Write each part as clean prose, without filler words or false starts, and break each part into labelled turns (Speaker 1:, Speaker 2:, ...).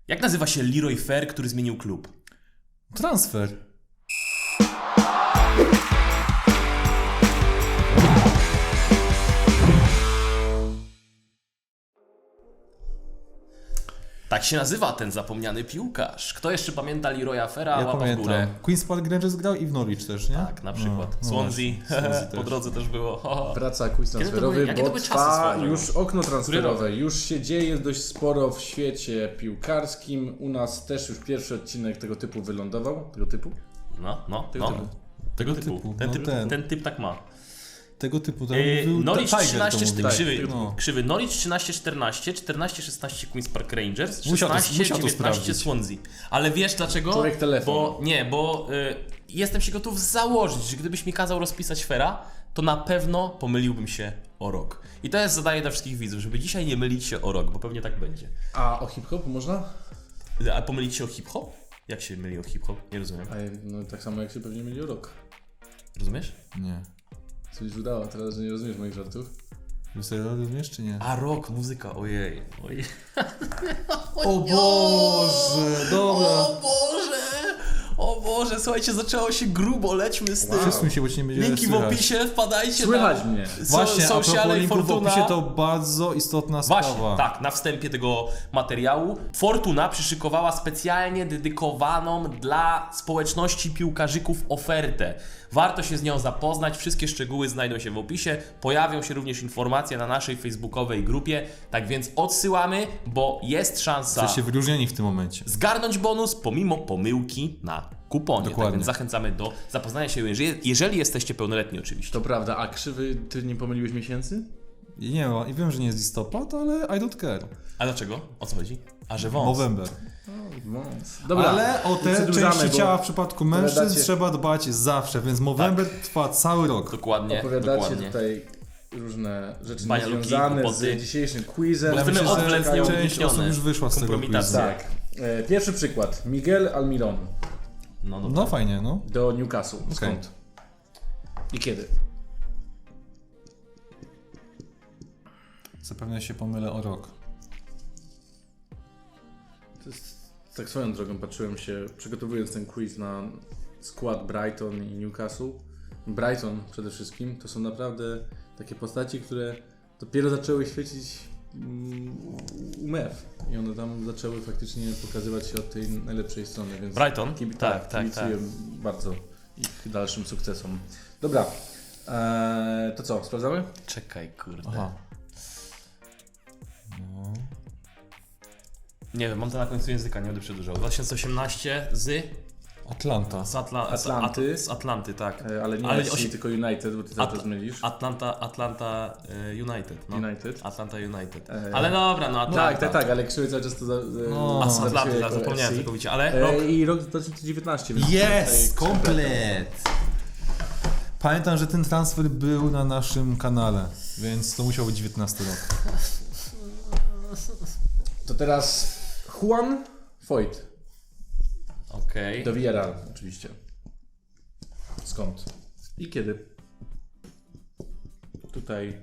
Speaker 1: Jak nazywa się Leroy Fer, który zmienił klub?
Speaker 2: Transfer.
Speaker 1: Tak się nazywa ten zapomniany piłkarz. Kto jeszcze pamięta Leroya Fera?
Speaker 2: Ja
Speaker 1: Łapa w
Speaker 2: pamiętam.
Speaker 1: górę.
Speaker 2: Queen's Park Rangers grał i w Norwich też, nie?
Speaker 1: Tak, na przykład.
Speaker 2: No,
Speaker 1: Swansea,
Speaker 2: Swansea
Speaker 1: po
Speaker 2: też.
Speaker 1: drodze też było.
Speaker 3: Wraca quiz transferowy,
Speaker 1: jakie to
Speaker 3: bo
Speaker 1: były czasy
Speaker 3: trwa
Speaker 1: swoją
Speaker 3: już okno
Speaker 1: Który
Speaker 3: transferowe. Już się dzieje dość sporo w świecie piłkarskim. U nas też już pierwszy odcinek tego typu wylądował. Tego typu?
Speaker 1: Tego typu. Ten typ tak ma.
Speaker 2: Tego typu tam
Speaker 1: Norwich
Speaker 2: Tiger
Speaker 1: 13,
Speaker 2: to mówił.
Speaker 1: krzywy Norwich 13-14, 14-16 Queen's Park Rangers,
Speaker 2: Musiał to
Speaker 1: 16-19
Speaker 2: sprawdzić.
Speaker 1: Swansea. Ale wiesz dlaczego?
Speaker 3: Człowiek telefon.
Speaker 1: Bo jestem się gotów założyć, że gdybyś mi kazał rozpisać Fera, to na pewno pomyliłbym się o rok. I to jest zadanie dla wszystkich widzów, żeby dzisiaj nie mylić się o rok, bo pewnie tak będzie.
Speaker 3: A o hip-hop można?
Speaker 1: A pomylić się o hip-hop? Jak się myli o hip-hop? Nie rozumiem.
Speaker 3: No tak samo jak się pewnie myli o rok.
Speaker 1: Rozumiesz?
Speaker 2: Nie.
Speaker 3: Coś udało, teraz że nie rozumiesz moich żartów.
Speaker 2: Wy sobie rozumiesz czy nie?
Speaker 1: A rok, muzyka, ojej.
Speaker 2: O Boże, dobra.
Speaker 1: O Boże! O Boże, słuchajcie, zaczęło się grubo, lećmy z tym.
Speaker 2: Przesuń się, bo ci nie będzie
Speaker 1: Linki w
Speaker 2: słychać.
Speaker 1: opisie, wpadajcie
Speaker 3: Słychać
Speaker 1: tam.
Speaker 3: mnie.
Speaker 2: Właśnie, a
Speaker 1: Sociale
Speaker 2: propos
Speaker 1: i
Speaker 2: linków w
Speaker 1: Fortuna.
Speaker 2: opisie to bardzo istotna
Speaker 1: Właśnie,
Speaker 2: sprawa.
Speaker 1: tak, na wstępie tego materiału Fortuna przyszykowała specjalnie dedykowaną dla społeczności piłkarzyków ofertę. Warto się z nią zapoznać, wszystkie szczegóły znajdą się w opisie, pojawią się również informacje na naszej facebookowej grupie, tak więc odsyłamy, bo jest szansa
Speaker 2: Jesteście wyróżnieni w tym momencie.
Speaker 1: zgarnąć bonus pomimo pomyłki na kuponie.
Speaker 2: Dokładnie.
Speaker 1: Tak więc zachęcamy do zapoznania się, jeżeli jesteście pełnoletni oczywiście.
Speaker 3: To prawda, a krzywy, ty nie pomyliłeś miesięcy?
Speaker 2: I nie wiem, i wiem, że nie jest listopad, ale I don't care.
Speaker 1: A dlaczego? O co chodzi? A że wąs.
Speaker 2: November.
Speaker 3: Dobra,
Speaker 2: Ale o te
Speaker 3: przedłużamy,
Speaker 2: części
Speaker 3: bo
Speaker 2: ciała w przypadku mężczyzn
Speaker 3: opowiadacie-
Speaker 2: trzeba dbać zawsze, więc November trwa cały rok.
Speaker 1: Dokładnie,
Speaker 3: opowiadacie
Speaker 1: dokładnie.
Speaker 3: tutaj różne rzeczy
Speaker 1: Banialuki,
Speaker 3: niezwiązane
Speaker 1: głupoty.
Speaker 3: z dzisiejszym quizem.
Speaker 1: Bo
Speaker 2: Ja
Speaker 1: chcemy
Speaker 2: myślę, że
Speaker 1: odwlec
Speaker 2: część
Speaker 1: nieuniknione.
Speaker 2: osób już wyszła z tego
Speaker 1: Kompromitacja.
Speaker 2: quizu.
Speaker 3: Tak. Pierwszy przykład. Miguel Almiron
Speaker 2: No fajnie, no.
Speaker 3: do Newcastle. Skąd? I kiedy?
Speaker 2: Zapewne się pomylę o rok.
Speaker 3: To jest, tak swoją drogą patrzyłem się, przygotowując ten quiz na skład Brighton i Newcastle. Brighton przede wszystkim to są naprawdę takie postaci, które dopiero zaczęły świecić u MEF. I one tam zaczęły faktycznie pokazywać się od tej najlepszej strony. Więc
Speaker 1: Brighton? Tak.
Speaker 3: kibicuję bardzo ich dalszym sukcesom. Dobra, to co, sprawdzamy?
Speaker 1: Czekaj, kurde.
Speaker 2: Aha.
Speaker 1: Nie wiem, mam to na końcu języka, nie będę przedłużał. 2018
Speaker 2: Atlanta.
Speaker 3: Atlanty.
Speaker 1: Z Atlanty, tak.
Speaker 3: Ale nie
Speaker 1: Ale
Speaker 3: FC, tylko United, bo ty cały czas mylisz.
Speaker 1: Atlanta United. No.
Speaker 3: United.
Speaker 1: Atlanta United. Ale dobra, no Atlanta.
Speaker 3: Tak, ale krzywy cały czas to
Speaker 2: No.
Speaker 1: A z Atlanty,
Speaker 3: zapisuje
Speaker 1: tak,
Speaker 3: jako
Speaker 1: zapomniałem
Speaker 3: FC.
Speaker 1: całkowicie, ale rok.
Speaker 3: I rok 2019. więc
Speaker 2: Jest!
Speaker 3: tutaj
Speaker 2: Komplet! Pamiętam, że ten transfer był na naszym kanale, więc to musiał być 19 rok.
Speaker 3: To teraz Juan Foyt
Speaker 1: Okej.
Speaker 3: do Villarreal oczywiście. Skąd? I kiedy? Tutaj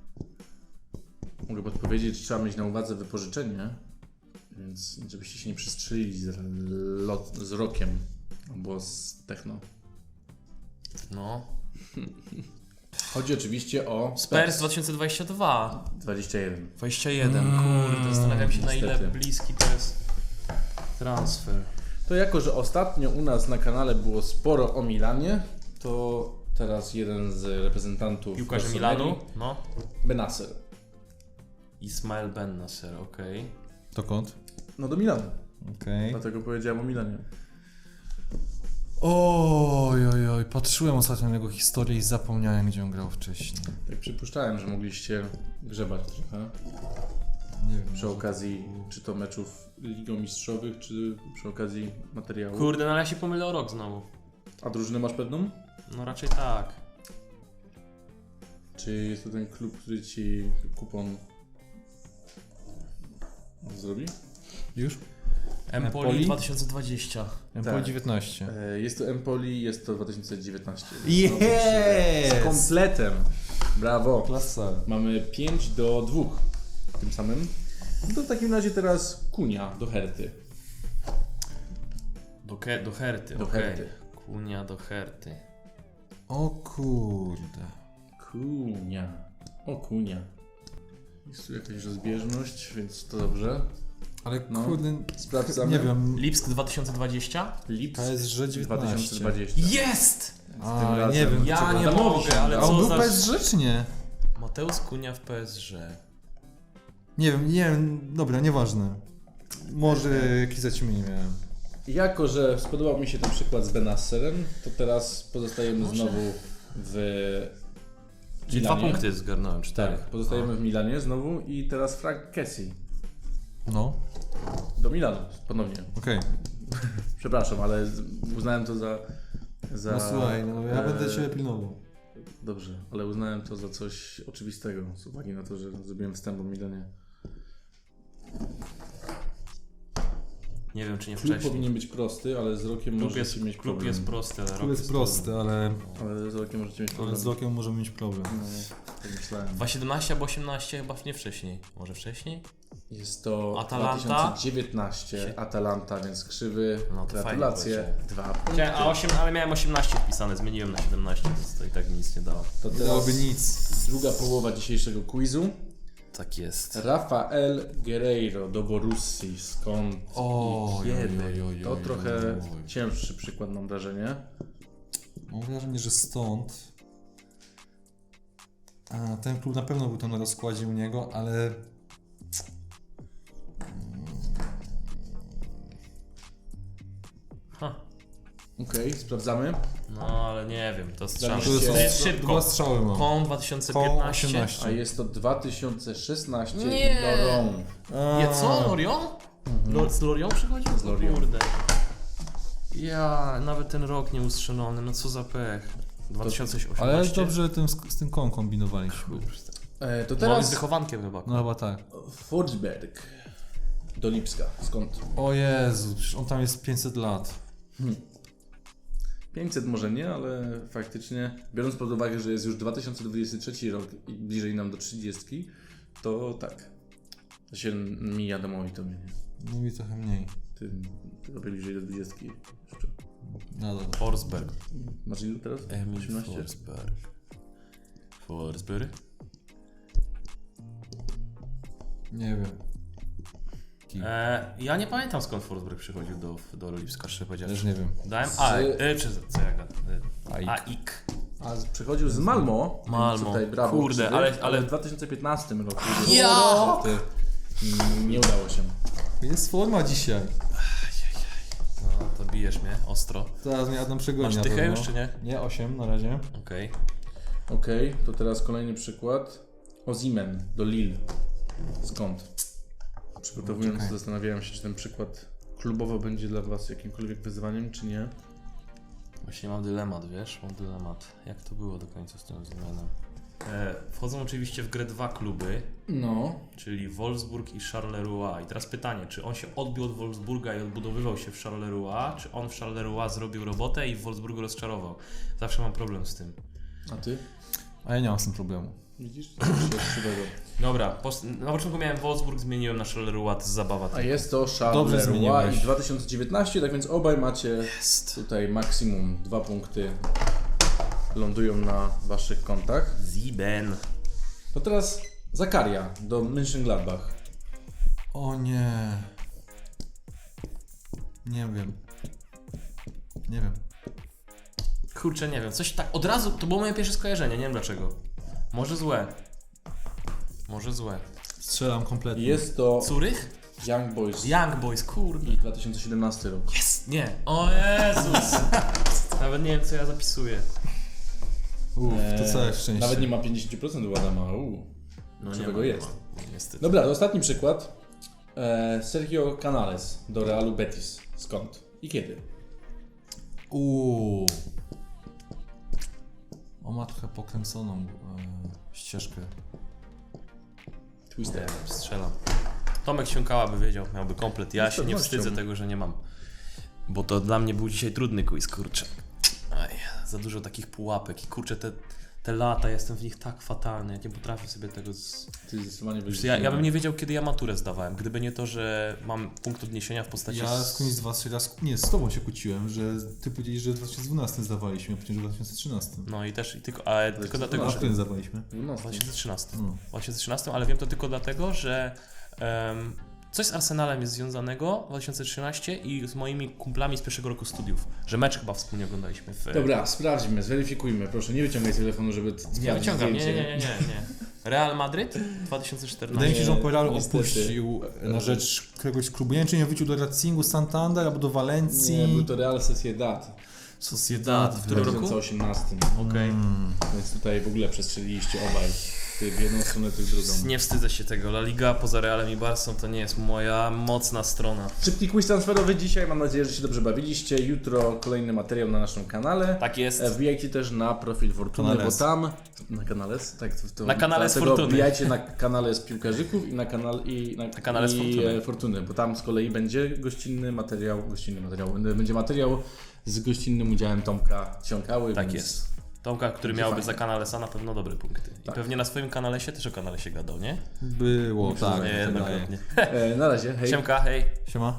Speaker 3: mogę podpowiedzieć, że trzeba mieć na uwadze wypożyczenie, więc żebyście się nie przestrzelili z rokiem albo z techno.
Speaker 1: No.
Speaker 3: Chodzi oczywiście o
Speaker 1: Spurs 2022.
Speaker 3: 21.
Speaker 1: 21, kurde, zastanawiam się na ile
Speaker 3: niestety.
Speaker 1: bliski to jest transfer.
Speaker 3: To jako, że ostatnio u nas na kanale było sporo o Milanie, to teraz jeden z reprezentantów
Speaker 1: Piłkarze
Speaker 3: Rossoneri,
Speaker 1: Milanu, no.
Speaker 3: Benasser.
Speaker 1: Ismael Ben Nasser, okej.
Speaker 2: Dokąd?
Speaker 3: No do Milanu,
Speaker 2: Okej.
Speaker 3: dlatego powiedziałem o Milanie.
Speaker 2: Oj, patrzyłem ostatnio na jego historię i zapomniałem, gdzie on grał wcześniej.
Speaker 3: Tak przypuszczałem, że mogliście grzebać trochę
Speaker 2: Nie wiem.
Speaker 3: przy okazji czy to meczów Ligą Mistrzowych, czy przy okazji materiału.
Speaker 1: Kurde, no ale ja się pomylę o rok znowu.
Speaker 3: A drużynę masz pewną?
Speaker 1: No raczej tak.
Speaker 3: Czy jest to ten klub, który ci kupon zrobi?
Speaker 2: Już?
Speaker 1: Empoli
Speaker 2: Empoli?
Speaker 1: 2020.
Speaker 2: Empoli
Speaker 3: Tak.
Speaker 2: 19.
Speaker 3: Jest to Empoli, jest to 2019.
Speaker 2: Yes!
Speaker 3: Z kompletem. Brawo.
Speaker 2: Klasa.
Speaker 3: Mamy 5-2 tym samym. To w takim razie teraz Kunia do Herty.
Speaker 1: Do Herty,
Speaker 3: Do
Speaker 1: okej.
Speaker 3: Herty.
Speaker 1: Kunia do Herty.
Speaker 2: O kurde.
Speaker 3: Kunia. O kunia. Jest tu jakaś rozbieżność, więc to dobrze.
Speaker 2: Ale
Speaker 3: No.
Speaker 2: kurde,
Speaker 3: Sprawdzamy.
Speaker 2: nie wiem.
Speaker 1: Lipsk 2020?
Speaker 3: Lips
Speaker 2: PSG 19.
Speaker 3: 2020.
Speaker 1: Jest!
Speaker 2: A,
Speaker 3: razem.
Speaker 2: nie wiem.
Speaker 1: Ja
Speaker 3: Co,
Speaker 1: nie
Speaker 3: Adamowi
Speaker 1: mogę,
Speaker 3: się
Speaker 1: ale
Speaker 2: A
Speaker 3: udało.
Speaker 2: on
Speaker 1: co
Speaker 2: był
Speaker 1: za...
Speaker 2: PSG czy nie?
Speaker 1: Mateusz Kunia w PSG.
Speaker 2: Nie wiem, dobra, nieważne. Może jakieś zaćmienie miałem.
Speaker 3: Jako, że spodobał mi się ten przykład z Benasserem, to teraz pozostajemy znowu w
Speaker 1: Czyli 2
Speaker 3: Milanie.
Speaker 1: punkty zgarnąłem, 4.
Speaker 3: Tak, pozostajemy w Milanie znowu i teraz Frank Kessie
Speaker 2: No,
Speaker 3: do Milanu ponownie.
Speaker 2: okej.
Speaker 3: Przepraszam, ale uznałem to za...
Speaker 2: No słuchaj, no ja będę Cię pilnował.
Speaker 3: Dobrze, ale uznałem to za coś oczywistego z uwagi na to, że zrobiłem wstęp o Milanie.
Speaker 1: Nie wiem, czy nie
Speaker 3: Klub
Speaker 1: wcześniej.
Speaker 3: powinien być prosty, ale z rokiem możecie mieć
Speaker 1: Klub
Speaker 3: problem.
Speaker 1: jest prosty, ale
Speaker 2: To
Speaker 1: rok
Speaker 2: jest prosty, ale
Speaker 3: Ale z rokiem możecie mieć problem.
Speaker 2: z rokiem możemy mieć problem.
Speaker 3: No, tak myślałem.
Speaker 1: 2,17 albo 18 chyba nie wcześniej. Może wcześniej?
Speaker 3: Jest to
Speaker 1: Atalanta?
Speaker 3: 2019 Atalanta, więc krzywy.
Speaker 1: No to
Speaker 3: Gratulacje.
Speaker 1: fajnie
Speaker 3: 2 punkty.
Speaker 1: Ale miałem 18 wpisane, zmieniłem na 17, więc to i tak mi nic nie dało.
Speaker 3: To
Speaker 2: Nie
Speaker 3: teraz
Speaker 2: dałoby nic.
Speaker 3: druga połowa dzisiejszego quizu.
Speaker 1: Tak jest.
Speaker 3: Rafael Guerreiro do Borussii. Skąd
Speaker 2: O,
Speaker 3: i kiedy?
Speaker 2: oj, oj,
Speaker 3: To
Speaker 2: oj,
Speaker 3: trochę
Speaker 2: oj, oj.
Speaker 3: cięższy przykład, mam wrażenie.
Speaker 2: Mam wrażenie, że stąd. A, ten klub na pewno był tam na rozkładzie u niego, ale.
Speaker 1: Ha.
Speaker 3: Okej, sprawdzamy.
Speaker 1: No ale nie wiem, to strzelam.
Speaker 3: To
Speaker 2: To
Speaker 3: jest-
Speaker 2: są
Speaker 3: jest
Speaker 1: szybko.
Speaker 2: dwa strzały mam.
Speaker 1: Kon 2015.
Speaker 2: 18.
Speaker 3: A jest to 2016
Speaker 1: Nie.
Speaker 3: Lorient.
Speaker 1: Nie, co? Lorion? Z Lorion przychodził?
Speaker 3: Z Lorient.
Speaker 1: Kurde. Ja, nawet ten rok nieustrzelony, no co za pech. 2018.
Speaker 2: Ale dobrze z tym kołem kombinowaliśmy.
Speaker 3: To
Speaker 1: Teraz...
Speaker 3: teraz
Speaker 1: z wychowankiem chyba.
Speaker 2: No chyba tak.
Speaker 3: Forsberg do Lipska. Skąd?
Speaker 2: O Jezu, przecież on tam jest 500 lat.
Speaker 3: 500 może nie, ale faktycznie, biorąc pod uwagę, że jest już 2023 rok i bliżej nam do 30, to tak. To się mija domowi to mnie.
Speaker 2: No i trochę mniej.
Speaker 3: Ty robię bliżej do 20 jeszcze.
Speaker 2: No dobra.
Speaker 1: Forsberg.
Speaker 3: Masz ilu teraz?
Speaker 1: Emil
Speaker 3: 18?
Speaker 1: Forsberg. Forsberg?
Speaker 2: Nie wiem.
Speaker 1: Ja nie pamiętam skąd Forsberg przychodził do Lipska, szczerze
Speaker 2: Też
Speaker 1: powiedziawszy.
Speaker 2: nie wiem.
Speaker 1: Dałem
Speaker 3: Z-
Speaker 1: co ja gadam?
Speaker 2: Aik.
Speaker 1: Aik.
Speaker 3: A przychodził z Malmo.
Speaker 1: Malmo.
Speaker 3: Więc tutaj brawo.
Speaker 1: Kurde,
Speaker 3: krzywy,
Speaker 1: ale-
Speaker 3: w 2015 roku.
Speaker 1: Ja!
Speaker 3: Niestety nie udało się.
Speaker 2: Jest forma dzisiaj.
Speaker 1: No, to bijesz mnie ostro.
Speaker 2: Zaraz mnie Adam przegoni.
Speaker 1: Masz
Speaker 2: na
Speaker 1: dychę
Speaker 2: pewno.
Speaker 1: już, czy nie?
Speaker 2: Nie, 8 na razie.
Speaker 1: Okej.
Speaker 3: Okej, to teraz kolejny przykład. Osimhen do Lille. Skąd? Przygotowując,
Speaker 2: Czekaj.
Speaker 3: zastanawiałem się, czy ten przykład klubowo będzie dla Was jakimkolwiek wyzwaniem, czy nie.
Speaker 1: Właśnie mam dylemat, wiesz? Mam dylemat. Jak to było do końca z tym zmianem? Wchodzą oczywiście w grę 2 kluby,
Speaker 3: No.
Speaker 1: czyli Wolfsburg i Charleroi. I teraz pytanie, czy on się odbił od Wolfsburga i odbudowywał się w Charleroi, czy on w Charleroi zrobił robotę i w Wolfsburgu rozczarował? Zawsze mam problem z tym.
Speaker 3: A Ty?
Speaker 2: A ja nie mam z tym problemu.
Speaker 3: Widzisz? Coś jest krzywego.
Speaker 1: Dobra, na początku miałem Wolfsburg, zmieniłem na Charleroi, to jest zabawa.
Speaker 3: A jest to
Speaker 2: Dobrze
Speaker 3: Charleroi
Speaker 2: zmieniłeś.
Speaker 3: i 2019, tak więc obaj macie
Speaker 1: Jest.
Speaker 3: tutaj maksimum 2 punkty lądują na Waszych kontach.
Speaker 1: Sieben.
Speaker 3: To teraz Zakaria do Mönchengladbach.
Speaker 2: O nie. Nie wiem. Nie wiem.
Speaker 1: Kurczę, nie wiem, coś tak, od razu, to było moje pierwsze skojarzenie, nie wiem dlaczego. Może złe. Może złe.
Speaker 2: Strzelam kompletnie.
Speaker 3: Jest to
Speaker 1: Curych?
Speaker 3: Young Boys
Speaker 1: Young Boys, kurde.
Speaker 3: i 2017 rok.
Speaker 1: Jest! Nie. O Jezus! Nawet nie wiem, co ja zapisuję.
Speaker 2: To całe szczęście.
Speaker 3: Nawet nie ma 50% u Adama.
Speaker 1: No
Speaker 3: Czego
Speaker 1: ma,
Speaker 3: jest?
Speaker 1: nie ma, niestety.
Speaker 3: Dobra, to ostatni przykład. Sergio Canales do Realu Betis. Skąd? I kiedy?
Speaker 2: On ma trochę pokręconą ścieżkę.
Speaker 1: Nie
Speaker 3: Twister.
Speaker 1: wiem, strzelam. Tomek Siąkała by wiedział, miałby komplet. Ja
Speaker 3: Z
Speaker 1: się nie
Speaker 3: pewnością.
Speaker 1: wstydzę tego, że nie mam. Bo to dla mnie był dzisiaj trudny quiz, kurczę. Aj, za dużo takich pułapek i kurczę, te lata, jestem w nich tak fatalny, ja nie potrafię sobie tego...
Speaker 3: Ty zdecydowanie byś...
Speaker 1: Ja bym nie wiedział, kiedy ja maturę zdawałem, gdyby nie to, że mam punkt odniesienia w postaci...
Speaker 2: Ja z kimś z was nie, z tobą się kłóciłem, że ty powiedziałeś, że w 2012 zdawaliśmy, a później, że w 2013.
Speaker 1: No i też, ale tylko dlatego,
Speaker 2: A
Speaker 1: że...
Speaker 2: kiedy zdawaliśmy?
Speaker 1: 2013.
Speaker 2: No.
Speaker 1: 2013, ale wiem to tylko dlatego, że coś z Arsenalem jest związanego w 2013 i z moimi kumplami z pierwszego roku studiów, że mecz chyba wspólnie oglądaliśmy w...
Speaker 3: Dobra, sprawdźmy, zweryfikujmy, proszę, nie wyciągaj telefonu, żeby
Speaker 1: Ja wyciągam,
Speaker 3: zdjęcie.
Speaker 1: nie. Real Madryt 2014.
Speaker 2: Wydaje mi się, że on Real
Speaker 3: niestety.
Speaker 2: opuścił na rzecz któregoś klubu. Nie wiem, czy nie wrócił do Racingu Santander albo do Walencji.
Speaker 3: Nie, był to Real Sociedad
Speaker 2: Sociedad.
Speaker 1: W którym roku?
Speaker 3: 2018.
Speaker 1: Okej.
Speaker 3: Więc tutaj w ogóle przestrzeliliście obaj. Ty w jedną stronę, ty w drugą.
Speaker 1: Nie wstydzę się tego. La Liga poza Realem i Barsą to nie jest moja mocna strona.
Speaker 3: Szybki quiz transferowy dzisiaj, mam nadzieję, że się dobrze bawiliście. Jutro kolejny materiał na naszym kanale.
Speaker 1: Tak jest.
Speaker 3: Wbijajcie też na profil Fortuny,
Speaker 2: Kanales.
Speaker 3: bo tam... Na kanale? Tak,
Speaker 1: Na kanale z
Speaker 3: dlatego
Speaker 1: Fortuny.
Speaker 3: Wbijajcie na kanale z piłkarzyków i na
Speaker 1: kanale z Fortuny.
Speaker 3: Fortuny, bo tam z kolei będzie gościnny materiał, będzie materiał z gościnnym udziałem Tomka Ciąkały.
Speaker 1: Tak
Speaker 3: więc
Speaker 1: jest. Tomka, który
Speaker 3: Będzie
Speaker 1: miałby
Speaker 3: fajnie.
Speaker 1: za Kanalesa na pewno dobre punkty. I
Speaker 3: Tak.
Speaker 1: pewnie na swoim Kanalesie też o Kanalesie gadał, nie?
Speaker 2: Było, tak.
Speaker 1: Niejednokrotnie.
Speaker 3: Na razie, hej.
Speaker 1: Siemka, hej.
Speaker 2: Siema.